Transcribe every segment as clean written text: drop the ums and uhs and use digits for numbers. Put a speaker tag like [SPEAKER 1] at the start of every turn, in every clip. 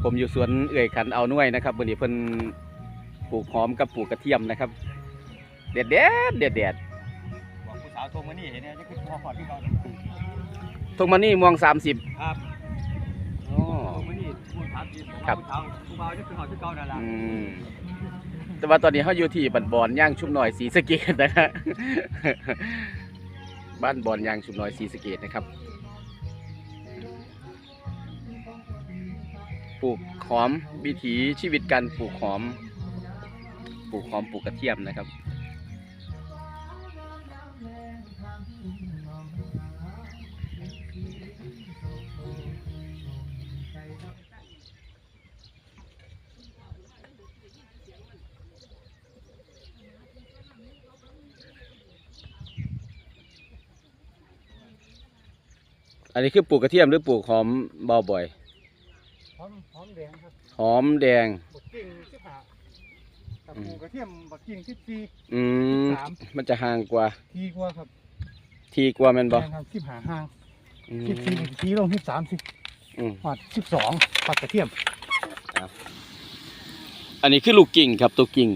[SPEAKER 1] ผมอยู่สวนเอื่อยขันเอาหน่วยนะครับวันนี้เพิ่นปลูกหอมกับปลูกกระเทียมนะครับเด็ด
[SPEAKER 2] บอกผู้สาวโทรมานี่เห็นเนี่ยจะขึ้นพอขอดที่เขา
[SPEAKER 1] ทุ่งมันนี่มวง30
[SPEAKER 2] ครับ
[SPEAKER 1] อ๋อ
[SPEAKER 2] โทรมานี่พูดถามจริง
[SPEAKER 1] ครับ
[SPEAKER 2] ผู้บ่าวจะขึ้นหอดที่เขานั่นแหละ
[SPEAKER 1] แต่ว่าตอนนี้เขาอยู่ที่บ้านบอนย่างชุมหน่อยศรีสะเกษนะฮะบ้านบอนย่างชุมหน่อยศรีสะเกษนะครับปลูกหอมวิถีชีวิตการปลูกหอมปลูกกระเทียมนะครับอันนี้คือปลูกกระเทียมหรือปลูกหอมเบาบ่อย
[SPEAKER 2] หอมแดงครับ
[SPEAKER 1] หอมแดง
[SPEAKER 2] บักกิ่ง15กับปลูกกระเทียมบักกิ่ง14
[SPEAKER 1] มันจะห่างกว่า
[SPEAKER 2] ทีกว่าครับ
[SPEAKER 1] ทีกว่าแม่นบ่
[SPEAKER 2] ครับ15ห่าง14ทีลงที่30หอด12ปักกระเทียม
[SPEAKER 1] อันนี้คือลูกกิ่งครับตัวกิ่ง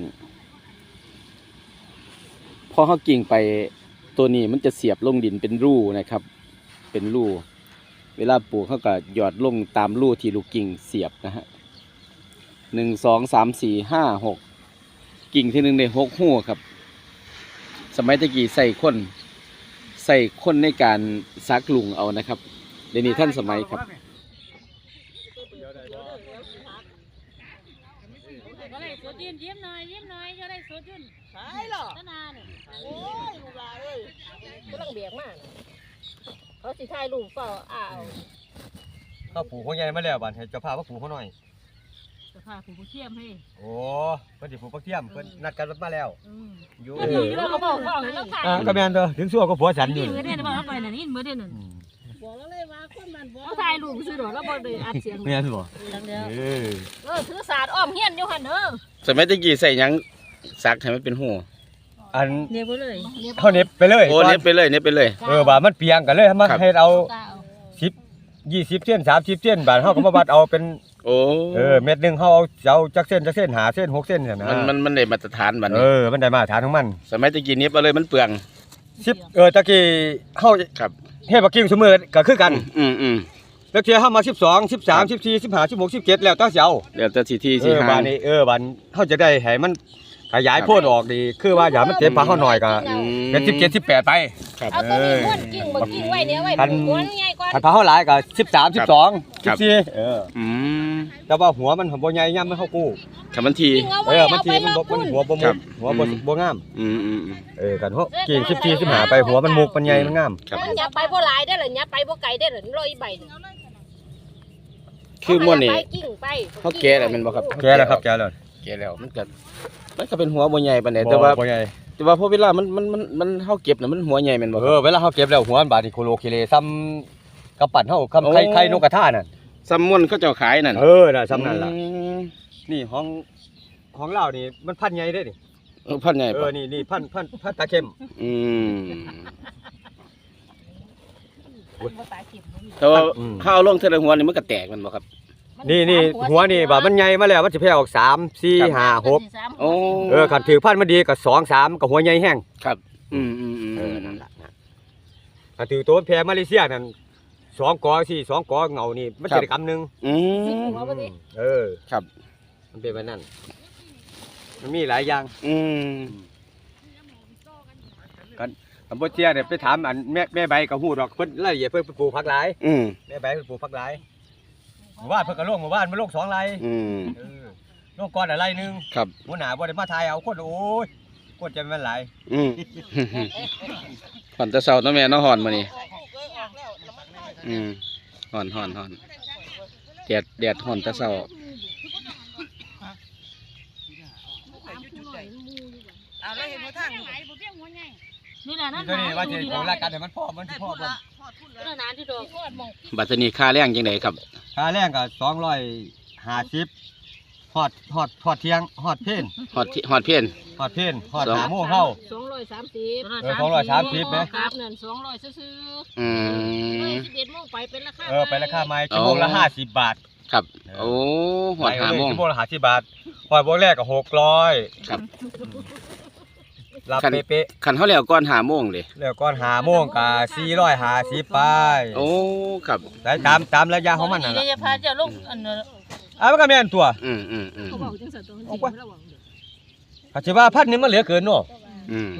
[SPEAKER 1] พอเขากิ่งไปตัวนี้มันจะเสียบลงดินเป็นรูนะครับเป็นรูเวลาปลูกเขาก็หยอดลงตามรูที่ลูกกิ่งเสียบนะฮะ1 2 3 4 5 6กิ่งที่1ได้6หูครับสมัยตะกี้ใส่ข้นในการซักลุงเอานะครับเดี๋ยวนี้ท่านสมัยครับ
[SPEAKER 3] ก็ได้สดยืนยิ้มหน่อยก็ได้สดยืนใช่หรอตั้งนานโอ้ยลูกหลานเลยก็ต้องเบียกมากเขาสิถ่ายรูปเปล่า
[SPEAKER 2] เขาปลูกหัวใหญ่มาแล้วบ้านให้เจ้าภาพเขาปลูกเขาหน่อย
[SPEAKER 3] เจ้าภาพปลูกเทียมให้
[SPEAKER 2] โอ้เพิ่นสิปลูกเทียมเพิ่นนัดกันมาแล้ว
[SPEAKER 3] อยู่เขาบอก
[SPEAKER 2] ก็แม่นเด้อถึงชั่วก็ผัวฉันอยู่
[SPEAKER 3] มื้อเดือนบ่ไปน่ะนี่มื้อเดือนนั่นบอกแล้วเลยว่าคนมันบ่ถ่ายรูปซื่อดอกแล้วบ่ได้อัดเสียง
[SPEAKER 2] แม่นบ่
[SPEAKER 3] ถือศาสตร์อ้อมเฮียนอยู่หั่นเด้อ
[SPEAKER 1] สมัยตะกี้ใส่หยังซักให้มันเป็นหู
[SPEAKER 2] อัน
[SPEAKER 3] เน็บไปเลย
[SPEAKER 2] เขาเน็บไปเลย
[SPEAKER 1] โอ้เน็บไปเลย
[SPEAKER 2] บาดมันเปียงกันเลยมาให้เรา10 20เส้น30เส้นบาดเฮาก็มาวัดเอาเป็น
[SPEAKER 1] โอ้
[SPEAKER 2] เม็ดนึงเฮาเอาจักเส้น5เส้น6เส้นเนี่ยนะ
[SPEAKER 1] มันได้มาตรฐานบัดนี้
[SPEAKER 2] มันได้มาตรฐานของมัน
[SPEAKER 1] สมัยตะกี้เน็บเอาเลยมันเปลือง
[SPEAKER 2] 10ตะกี้เฮา
[SPEAKER 1] ครับ
[SPEAKER 2] เฮ็ดบักกิ่งซุมื้อก็คือกันแล้วเที่ยเฮามา12 13 14 15 16 17แล้วตั้งสิเอา
[SPEAKER 1] แล้วแต่สิที่
[SPEAKER 2] บาดนี้บาดเฮาจะได้ให้มันขยายโพดออกดีคือว่าอย่ามันเต็มปากเฮาหน่อยก็เป็น17 18ไป
[SPEAKER 3] เอาตัวนี้ม้วนกิ่งบ่กิ่งไว้เนี่ยไว้ม้วนใหญ่กว่า
[SPEAKER 2] ถ้าเฮาหลายก็13 12 14แต่ว่าหัวมันบ่ใหญ่ย่ำมันเฮากู้
[SPEAKER 1] ถ้ามันที
[SPEAKER 2] มันทีมันหัวบ่มุกหัวบ่งามกันเฮากิ่ง14 15ไปหัวมันมุกมันใหญ่มันงาม
[SPEAKER 3] อย่าไปบ่หลายได้อล่ะอย่าไปบ่ไกลได้อล่ะร้อยใบ
[SPEAKER 1] คือม้วนนี่เขาแก่แล้วแม่นบ่ครับ
[SPEAKER 2] แก่แล้วครับแก่
[SPEAKER 1] แล้วมันก็เป็นหัวบ่ใหญ่ปานใดแต่ว่าพอเวลามันเฮาเก็บน่ะมันหัวใหญ่แม่นบ่
[SPEAKER 2] เวลาเฮาเก็บแล้วหัวมันบาดนี่โคโลเคเลซ้ำกระปั่นเฮาคำไข่นกกระทานั่น
[SPEAKER 1] ซ้ำม่วนเขาเจ้าขายนั่น
[SPEAKER 2] น่ะซ้ำนั่นล่ะนี่ของเรานี่มันพันใหญ่เด้นี่
[SPEAKER 1] พันใหญ่
[SPEAKER 2] นี่พันตาเข้ม
[SPEAKER 1] แต่ว่าข้าวลงเทละหัวนี่มันก็แตกมันบ่ครับ
[SPEAKER 2] นี่หัวนี่บาดมันใหญ่มาแล้วมันสิแผ่ออก3 4 5 6คันถือพันมันดีก็2 3ก็หัวใหญ่แห้ง
[SPEAKER 1] ครับ
[SPEAKER 2] นั่นล่ะถ้าถือตัวแพรมาเลเซียนั่น2 กอ2 กอเงานี่มันจะได้กำนึง
[SPEAKER 1] ครับ
[SPEAKER 2] มันเป็นแบบนั้นมันมีหลายอย่างกันอำเภอเชียเนี่ยไปถามอันแม่ใบกับฮู้ดอกเพิ่นรายละเอียดเพิ่นปลูกผักหลายแม่ใบเพิ่นปลูกผักหลายหมู่บ้านเพิ่นก็ลงหมู่บ้านมันลง2 ไร่ลงก่อนอะไรนึง
[SPEAKER 1] ครับ
[SPEAKER 2] หัวหน้าบ่ได้มาถ่ายเอาคนโอ้ยคนจะมันหลาย
[SPEAKER 1] ฮ้อนแต่เช้าเนาะแม่เนาะฮ้อนมื้อนี้ฮ้อนแดดฮ้อนแต่เช้า
[SPEAKER 3] เอาแล้วเห็นบ่ทางนี่แหละนั่น
[SPEAKER 2] ว่าสิของรายการให้มันพอมันสิพอบ่
[SPEAKER 1] บัดนี้ค่าแรงจังได๋ครับ
[SPEAKER 2] ค่าแรงก็250ฮอดเที่ยงฮอดเพลน
[SPEAKER 1] ฮอดเพลน
[SPEAKER 2] ฮอด5โมงเฮา230มั้ย
[SPEAKER 3] ครับนั่น200ซื่อ11โมงไปเป็นราคา
[SPEAKER 2] ไปราคาใหม่ชั่วโมงละ50 บาท
[SPEAKER 1] ครับโอ้หอด5 โมง
[SPEAKER 2] ชั่วโมงละ50 บาทหอยโมงแรกก็600
[SPEAKER 1] ครับ
[SPEAKER 2] รับเป๊ะ
[SPEAKER 1] คันเฮาแล้วก่อน5 โมงเด้
[SPEAKER 2] ๆแล้วก่อน5 โมงก็450ไป
[SPEAKER 1] โอ้ครับ
[SPEAKER 2] แต่ตามระยะของมันนั่น
[SPEAKER 3] เดี๋
[SPEAKER 2] ล่ะ
[SPEAKER 3] ยวจะพาเจ้าลงอันนั้น
[SPEAKER 2] มันก็แม่นตัว
[SPEAKER 1] อืม
[SPEAKER 3] เขาบอกจังซั่นตัวมันสิระวังเด้อ
[SPEAKER 2] ถ้าสิว่าพันนี้มันเหลือเกินเนาะ
[SPEAKER 1] อืม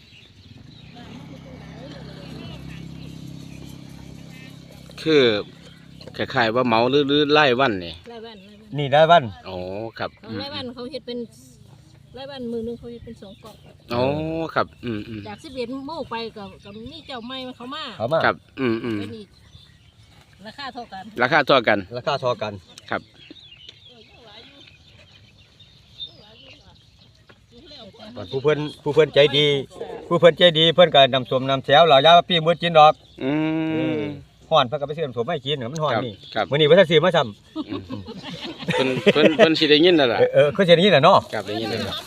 [SPEAKER 1] คือคล้ายๆว่าเหมาหรือไล่วันนี่
[SPEAKER 3] รายวัน
[SPEAKER 2] นี่ได้วัน
[SPEAKER 1] โอ้ครับ
[SPEAKER 3] ของรายวันเขาเฮ็ดเป็นรายวันมือนึงเขาเฮ็ดเป็น2กล่อง
[SPEAKER 1] โอ้ครับ
[SPEAKER 3] จาก11โมงไปกับมีเจ้าใหม่มันเข้ามา
[SPEAKER 2] เขามา
[SPEAKER 1] ครับ
[SPEAKER 3] เป็นอีกราคาเท่ากัน
[SPEAKER 1] ราคาเท่ากัน
[SPEAKER 2] ราคาเท่ากัน
[SPEAKER 1] ครับ
[SPEAKER 2] ผู้เพิ่นใจดีเพิ่นก็นำส้มนำแซวเหล่ายาปี้มื้อกินดอก
[SPEAKER 1] อืม
[SPEAKER 2] ฮ้อนเพิ่นก็ไปซื้อน้ำส้มมาให้กินมันฮ้อนนี่
[SPEAKER 1] ครับ
[SPEAKER 2] มื้อนี้บ่ทันซื้อมาซ้ำ
[SPEAKER 1] อืมเพิ่นสิได้ยินนั่นล่ะ
[SPEAKER 2] คือสิได้ยินน่ะเนาะ
[SPEAKER 1] ครับได้ยินนั่นล่ะ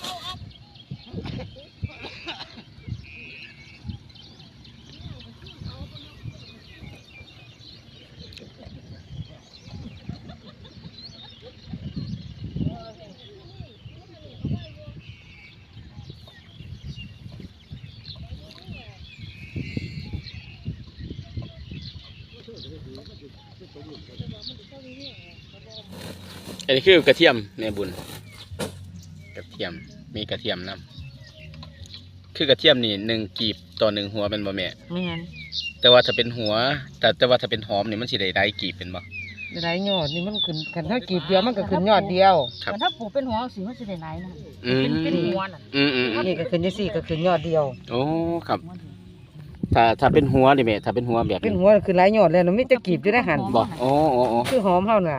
[SPEAKER 1] อันนี้คือกระเทียมแม่บุญกระเทียมมีกระเทียมนำคือกระเทียมนี่1 กีบต่อ1 หัวเป็นบ่แม่
[SPEAKER 4] แม่น
[SPEAKER 1] แต่ว่าถ้าเป็นหัวแต่ว่าถ้าเป็นหอมนี่มันสิได้หลายกีบเป็นบ่
[SPEAKER 4] หลายยอดนี่มันขึ้นคันเท่ากีบเดียวมันก็ขึ้นยอดเดียว
[SPEAKER 1] ครับ
[SPEAKER 3] แต่ถ้าปลูกเป็นหัวสิมันสิได้หลายนะ
[SPEAKER 1] อืม
[SPEAKER 3] เป็นหัวน่ะ
[SPEAKER 4] นี่ก็ขึ้นจังซี่ก็ขึ้นยอดเดียว
[SPEAKER 1] โอ้ครับ ถ้าเป็นหัวนี่แม่ถ้าเป็นหัวแบบ
[SPEAKER 4] เป็นหัวขึ้นหลายยอดแล้วมันมีแต่กีบอยู่ในหัน
[SPEAKER 1] บ่โอ้
[SPEAKER 4] คือหอมเฮาน่ะ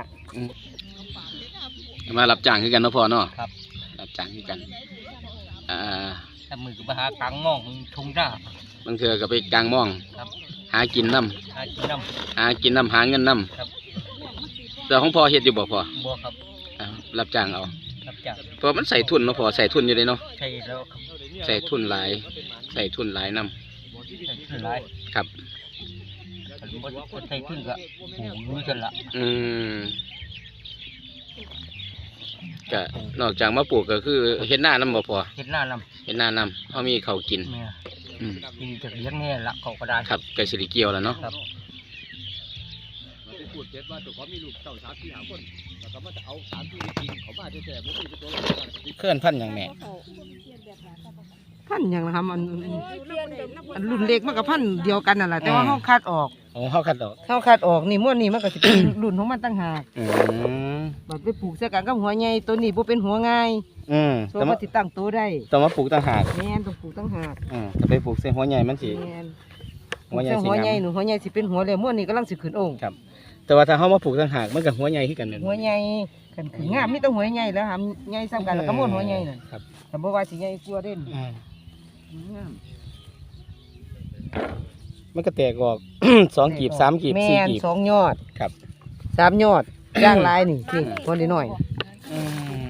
[SPEAKER 1] มารับจ้างคือกันเนาะพ่อเนาะครับรับจ้างคือกัน
[SPEAKER 2] ถ้ามือก็ไปหากลางมองทุ่งหน้า
[SPEAKER 1] บางเทื่อก็ไปกลางม่อง
[SPEAKER 2] ครับ
[SPEAKER 1] หากินน้
[SPEAKER 2] หากินน้
[SPEAKER 1] ำหากินน้ำหาเงินน้
[SPEAKER 2] ครับ
[SPEAKER 1] ำแต่ของพ่อเฮ็ดอยู่บ่พ่อ
[SPEAKER 2] ำบัวครับ
[SPEAKER 1] รับจ้างเอา
[SPEAKER 2] รับจ้าง
[SPEAKER 1] เพราะมันใส่ทุนเนาะพ่อใส่ทุนอยู่เลยเนาะ
[SPEAKER 2] ใช่แล้วครับ
[SPEAKER 1] ใส่ทุนหลายใส่ทุนหลายน้
[SPEAKER 2] ใช่ขึ้นหลาย
[SPEAKER 1] ำครับ
[SPEAKER 2] บ่ใช่ขึ้นก็ปลูกอยู่ซั่นล่ะ
[SPEAKER 1] ก็นอกจากมาปลูกก็คือเฮ็ดหน้าน้ำบ่พอ
[SPEAKER 2] เฮ็ดหน้านำ
[SPEAKER 1] เฮ็ดหน้าน้ำเขามีเขาวกิน
[SPEAKER 2] แม่
[SPEAKER 1] อืม
[SPEAKER 2] กินจากเลี้ยงแน่ละเขาก็ได้
[SPEAKER 1] ครับไก่สิริเกียวแล้วเนาะ
[SPEAKER 2] ครับ
[SPEAKER 5] พูดเสร็จว่าตัวเขามีลูกเต่า3-4 คนแล้วก็มาจะเอา3 ที่จริงเขามาแต่บ่มีตัวละ
[SPEAKER 1] เคลื่อนพันอย่างแม่
[SPEAKER 4] พันหยังล่ะครับอันรุ่นเล็กมันก็พันเดียวกันนั่นล่ะแต่ว่าเฮาคัดออก
[SPEAKER 1] โอ้เฮาคัดดอก
[SPEAKER 4] เฮาคัดออกนี่ม้วนนี่มันก็สิเป็น รุ่นของมันต่างหาก
[SPEAKER 1] อืม
[SPEAKER 4] บัดไปปลูกใส่กันกับหัวใหญ่ตัวนี้บ่เป็นหัวง่าย โซ
[SPEAKER 1] แต่
[SPEAKER 4] มั
[SPEAKER 1] ว่าน
[SPEAKER 4] สิตั้งโตได้
[SPEAKER 1] ต้องมาปลูกต่างหาก
[SPEAKER 4] แม่นต้องปลูกต่างหาก
[SPEAKER 1] ถ้าไปปลูกใส่หัวใหญ่มันสิ
[SPEAKER 4] แม่น
[SPEAKER 1] หัวใหญ่สิ
[SPEAKER 4] หัวใหญ่
[SPEAKER 1] งาม
[SPEAKER 4] หนูหัวใหญ่สิเป็นหัวแล้วม้วนนี่กำลังสิขึ้นองค์
[SPEAKER 1] ครับ แต่ว่าถ้าเฮามาปลูกต่างหากมันก็หัวใหญ่คือกันนั่น
[SPEAKER 4] หัวใหญ่กันคืองามมีแต่หัวใหญ่แล้วหามใหญ่ซ้ำกันแล้วก็ม้วนหัวใหญ่นั่น
[SPEAKER 1] ครับ
[SPEAKER 4] แต่บ่ว่าสิใหญ่กว่าเด่นงาม
[SPEAKER 1] มันก็แตกออก 2 กีบ3 กีบ
[SPEAKER 4] แม่
[SPEAKER 1] 4
[SPEAKER 4] น
[SPEAKER 1] กีบ
[SPEAKER 4] 2 ยอด
[SPEAKER 1] ครับ
[SPEAKER 4] 3 ยอดย่างลายนี่สิคนนิดหน่อย
[SPEAKER 1] อืม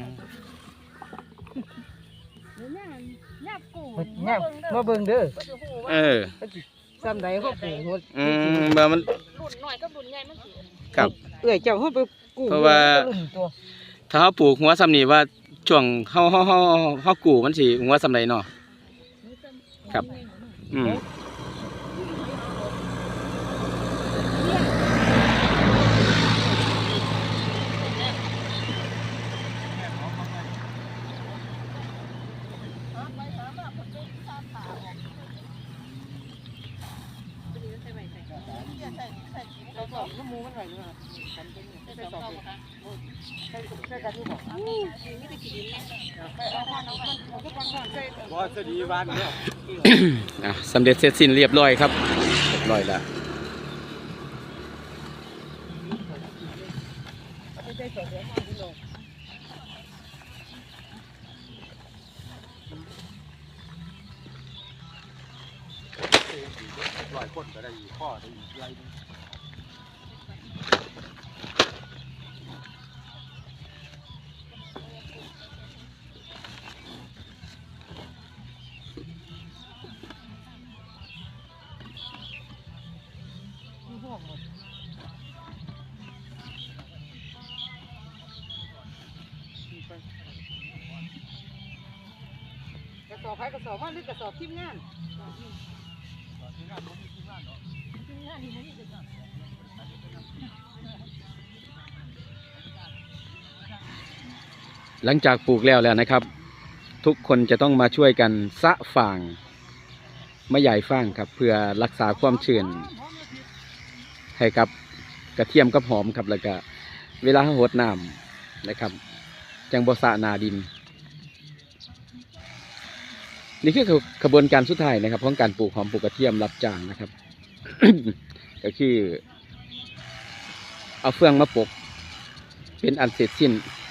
[SPEAKER 4] เนี่ยมาเบิ่งเด้อ
[SPEAKER 1] เออ
[SPEAKER 4] ซ้ำใดเขาปลูกหัว
[SPEAKER 1] เมื่อมัน
[SPEAKER 3] รุ่นน้อยกับรุ่นใหญ่มันสิ
[SPEAKER 1] ครับ
[SPEAKER 4] เอ้ยเจ้าเฮาไปกู้
[SPEAKER 1] เพราะว่า
[SPEAKER 4] ตัว
[SPEAKER 1] ถ้าเฮาปลูกหัวซ้ำนี่ว่าช่วงเฮากู้มันสิหัวซ้ำใดเนาะครับ อืม
[SPEAKER 2] บ่สดีบ้านเนาะ
[SPEAKER 1] สำเร็จเสร็จสิ้นเรียบร้อยครับเรียบร้อยแล้ว
[SPEAKER 5] 100 คนก็ได้ข้อได้ไรนึง
[SPEAKER 4] สอบไผกระสอบว่าหรือกระสอบทีมงาน
[SPEAKER 1] หลังจากปลูกแล้วนะครับ ทุกคนจะต้องมาช่วยกันสะฟางมะใหญ่ฟางครับ เพื่อรักษาความชื้นให้กับกระเทียมกับหอมครับแล้วก็เวลาหดน้ำนะครับจังบ่สะหนาดิน นี่คือกระบวนการสุดท้ายนะครับของการปลูกหอมปลูกกระเทียมรับจ้างนะครับ ก็คือเอาเฟืองมาปกเป็นอันเสร็จสิ้น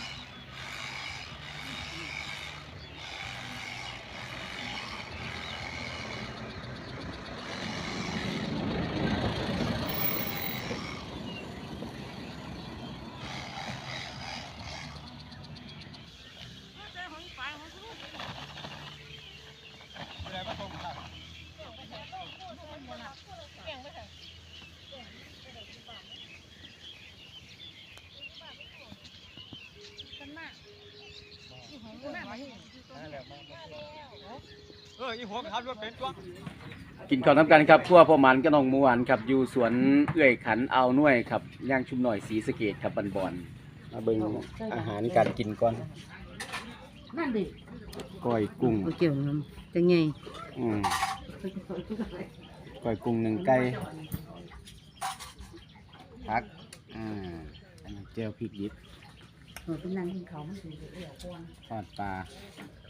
[SPEAKER 2] อีหัวขับรถเป็นตัว
[SPEAKER 1] กินข้าวน้ำกันครับครัวพ่อหมันกับน้องหมูหวานครับอยู่สวนเอื้อยขันอ่าวน่วยครับย่างชุมหน่อยศรีสะเกษครับบอนๆมาเบิ่งอาหารการกินก่อน
[SPEAKER 4] นั่นดิ
[SPEAKER 1] ก้อยกุ้ง
[SPEAKER 4] บ่เกี่ยวนํจังไง
[SPEAKER 1] ก้อยกุ้งหนึ่งไก่ผักอันนั้นเจียวพริกดิบ
[SPEAKER 4] เป็นนางกินข้าวมันสิเดี๋ยวก่อน
[SPEAKER 1] ทอดปลา